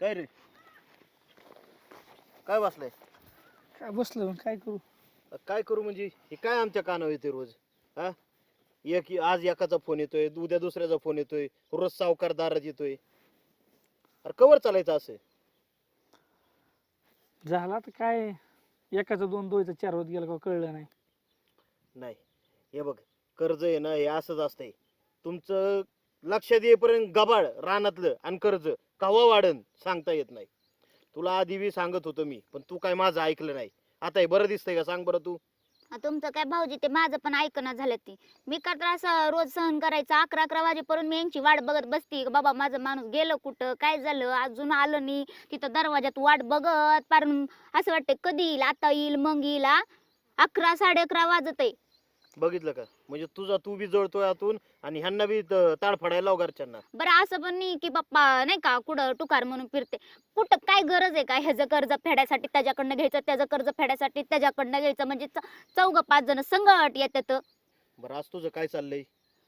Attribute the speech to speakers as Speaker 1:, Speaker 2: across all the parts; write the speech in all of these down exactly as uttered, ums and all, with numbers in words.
Speaker 1: काय रे काय बसलाय?
Speaker 2: काय बसलो काय करू.
Speaker 1: काय करू म्हणजे हे काय आमच्या कानावर येते रोज? हा एक आज एकाचा फोन येतोय, उद्या दुसऱ्याचा फोन येतोय, रोज सावकार दारात येतोय. अरे कवर चालायचं असं?
Speaker 2: झाला तर काय एकाचं दोन दोयचं चार होत गेलं का कळलं नाही.
Speaker 1: नाही हे बघ, कर्ज आहे ना हे असंच असतंय. तुमचं लक्षात येईपर्यंत गबाळ रानातलं आणि कर्ज कवा वाढन सांगता येत नाही. तुला आधी बी सांगत होतो मी, पण तू काय माझं ऐकलं नाही. आता हे बरं दिसतंय का सांग बरं तू?
Speaker 3: आ, तुमचं काय भाऊजी ते माझं पण ऐकणं झालं ती. मी का त्रास रोज सहन करायचा अकरा अकरा वाजेपर्यंत मी यांची वाट बघत बसती. बाबा माझं माणूस गेलं कुठं, काय झालं, अजून आलं नाही. तिथं दरवाजात वाट बघत पार असं वाटतं कधी येईल, आता येईल मग येईल. आ, अकरा साडे अकरा वाजत आहे.
Speaker 1: बघितलं का? म्हणजे तुझा तू बी जळतोय आतून आणि ह्यांना बी त- ताडफडायला लाव घरच्यांना.
Speaker 3: बरं असं पण नाही की बाप्पा नाही का कुठं टुकार म्हणून फिरते. कुठं काय गरज आहे का ह्याचं कर्ज फेडायसाठी त्याच्याकडनं घ्यायचं, त्याचं कर्ज फेडायसाठी त्याच्याकडनं घ्यायचं, म्हणजे चौघ पाच जण संगट येतात.
Speaker 1: बरं आज तुझं काय चाललंय?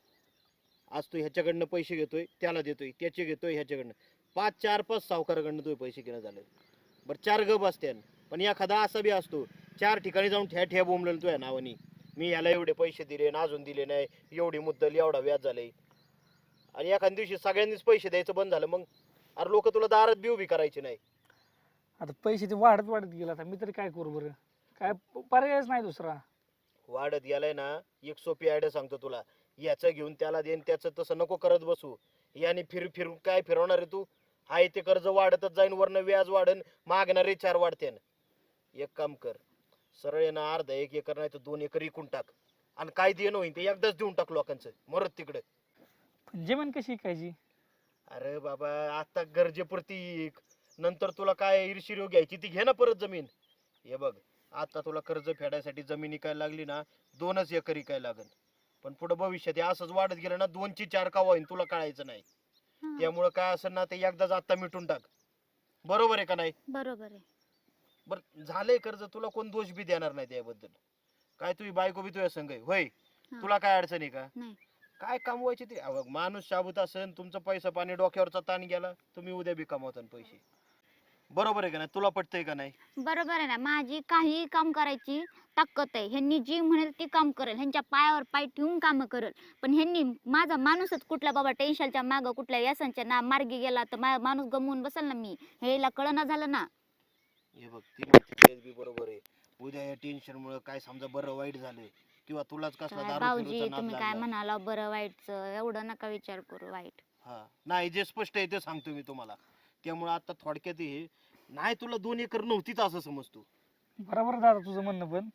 Speaker 1: आज तू ह्याच्याकडनं पैसे घेतोय त्याला देतोय, त्याचे घेतोय ह्याच्याकडनं, पाच चार पाच सावकाराकडनं तुझे पैसे घेणं झालं. बरं चार गप असते, पण एखादा असा बी असतो चार ठिकाणी जाऊन ठ्या ठ्या बोंबलेलं तुझ्या नावानी. मी ह्याला एवढे पैसे दिले ना अजून दिले नाही, एवढी मुद्दल एवढा व्याज झालंय. आणि एखाद्या दिवशी सगळ्यांनीच पैसे द्यायचं बंद झालं, मग अरे लोक तुला दारात बी उभी करायची नाही.
Speaker 2: आता पैसे ते वाढत वाढत गेला. आता मी तरी काय करू बरं, काय पर्यायच नाही दुसरा.
Speaker 1: वाढत गेलाय ना, एक सोपी आयडिया सांगतो तुला. याचं घेऊन त्याला देईन, त्याचं तसं नको करत बसू. याने फिर फिरून काय फिरवणार आहे तू? हाय ते कर्ज वाढतच जाईन, वरनं व्याज वाढन, मागणारे चार वाढते. एक काम कर, सरळ आहे ना अर्धा एक एकर नाही तर दोन एकर इकून टाक आणि काय देणं होईन ते एकदाच देऊन टाक लोकांचं, मरत तिकडे.
Speaker 2: पण जमीन कशी ऐकायची?
Speaker 1: अरे बाबा आता गरजेपुरती इक. नंतर तुला काय ईर्षिरो घ्यायची ती घे ना परत जमीन. हे बघ, आता तुला कर्ज फेडायसाठी जमीन इकायला लागली ना, दोनच एकर इकायला लागल. पण पुढे भविष्यात हे असंच वाढत गेलं ना, दोनची चार का होईन तुला कळायचं नाही. त्यामुळं काय असेल ना ते एकदाच आता मिटून टाक. बरोबर आहे का नाही?
Speaker 3: बरोबर आहे.
Speaker 1: बर झालंय कर्ज, तुला कोण दोष बी देणार नाही त्याबद्दल. काय तुझी बायको बी तुझ्या संग आहे होय?
Speaker 3: हा.
Speaker 1: तुला काय अडचण आहे का?
Speaker 3: नाही.
Speaker 1: काय कमवायचे ते अहो, माणूस शाबूत असेल, तुमचं पैसा पाणी डोक्यावरचा ताण गेला, तुम्ही उद्या बी कमावता पैसे. बरोबर आहे का नाही? तुला पटतंय का नाही?
Speaker 3: बरोबर आहे ना, माझी काही काम करायची ताकद आहे. ह्यांनी जी म्हणेल ती काम करेल, ह्यांच्या पायावर पाय ठेवून काम करेल. पण ह्यांनी माझा माणूसच कुठला बाबा टेन्शनच्या मागं कुठल्या व्यसनच्या ना मार्गी गेला तर माझा माणूस गमवून बसेल ना मी, ह्याला कळना झालं ना.
Speaker 1: हे बघ ती म्हणते तेच बी बरोबर आहे. उद्या या टेन्शन मुळे काय समजा बरं वाईट झालं किंवा तुलाच कसला
Speaker 3: काय
Speaker 1: दारू
Speaker 3: भाऊजी
Speaker 1: फिरूचा नाद
Speaker 3: तुम्ही काय
Speaker 1: लागला.
Speaker 3: म्हणाला बरं वाईटचं, एवढं नका विचार करू वाईट.
Speaker 1: हा नाही, जे स्पष्ट आहे ते सांगतो मी तुम्हाला. त्यामुळे आता थोडक्यात हे नाही, तुला दोन एकर नव्हतीच असं समजतो.
Speaker 2: बरोबर दादा तुझं म्हणणं, पण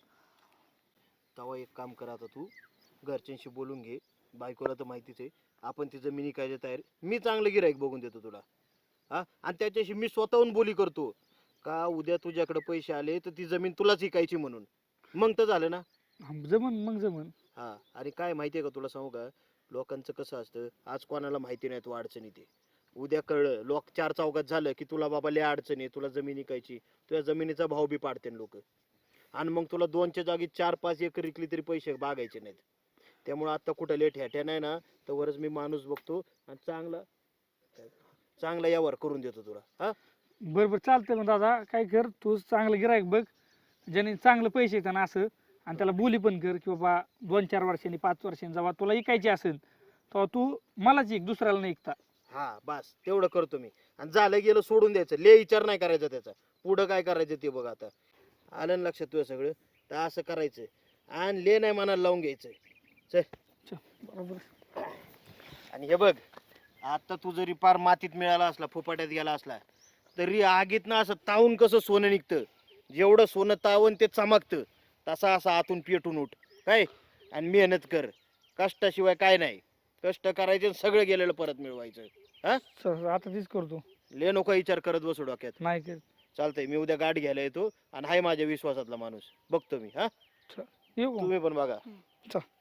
Speaker 1: तेव्हा एक काम कर, आता तू घरच्यांशी बोलून घे. बायकोला तर माहितीच आहे आपण ती जमिनी काय तयार. मी चांगलं गिराईक बघून देतो तुला. हा आणि त्याच्याशी मी स्वतःहून बोली करतो का उद्या तुझ्याकडे पैसे आले तर ती जमीन तुलाच विकायची म्हणून. मग तर झालं ना.
Speaker 2: जमन मग जमन.
Speaker 1: हा आणि काय माहितीये का तुला सांगू का, लोकांचं कसं असतं, आज कोणाला माहिती नाही तू अडचणी ते, उद्या कळलं लोक चार चौकात झालं की तुला बाबा लय अडचणी आहे, तुला जमीन विकायची, तुझ्या जमिनीचा भाव बी पाडते लोक. आणि मग तुला दोनच्या जागी चार पाच एकर विकली तरी पैसे बागायचे नाहीत. त्यामुळे आता कुठं लेट ह्याट्या नाही ना, तर वरच मी माणूस बघतो आणि चांगला चांगला यावर करून देतो तुला. हा
Speaker 2: बरं बरं चालतंय. मग दादा काय कर, तू चांगलं गिराईक बघ ज्याने चांगलं पैसे येतात ना असं, आणि त्याला बोली पण कर की बाबा दोन चार वर्षांनी पाच वर्षांनी जेव्हा तुला ऐकायची असेल तेव्हा तू मलाच ऐक, दुसऱ्याला नाही ऐकता.
Speaker 1: हा बस तेवढं करतो मी. आणि झालं गेलं सोडून द्यायचं, ले विचार नाही करायचा त्याचा. पुढं काय करायचं ते बघ. आता आलं ना लक्षात तुझं सगळं, तर असं करायचं आणि ले नाही मनाला लावून घ्यायचं. चल.
Speaker 2: चल, बरोबर.
Speaker 1: आणि हे बघ, आता तू जरी पार मातीत मिळाला असला, फुपाट्यात गेला असला, तरी आगीत ना असं तावून कसं सोनं निघतं, जेवढं सोनं तावून ते चमकतं, तसा असं आतून पेटून उठ काय. आणि मेहनत कर, कष्टाशिवाय काय नाही. कष्ट करायचे, सगळं गेलेलं परत मिळवायचं. हा
Speaker 2: चल आता तीच करतो.
Speaker 1: ले नको विचार करत बसू डोक्यात.
Speaker 2: नाही कर.
Speaker 1: चालतंय, मी उद्या गाठ घ्यायला येतो आणि हाय माझ्या विश्वासातला माणूस बघतो मी. हा
Speaker 2: चल येऊ का?
Speaker 1: तुम्ही पण बघा.
Speaker 2: चल.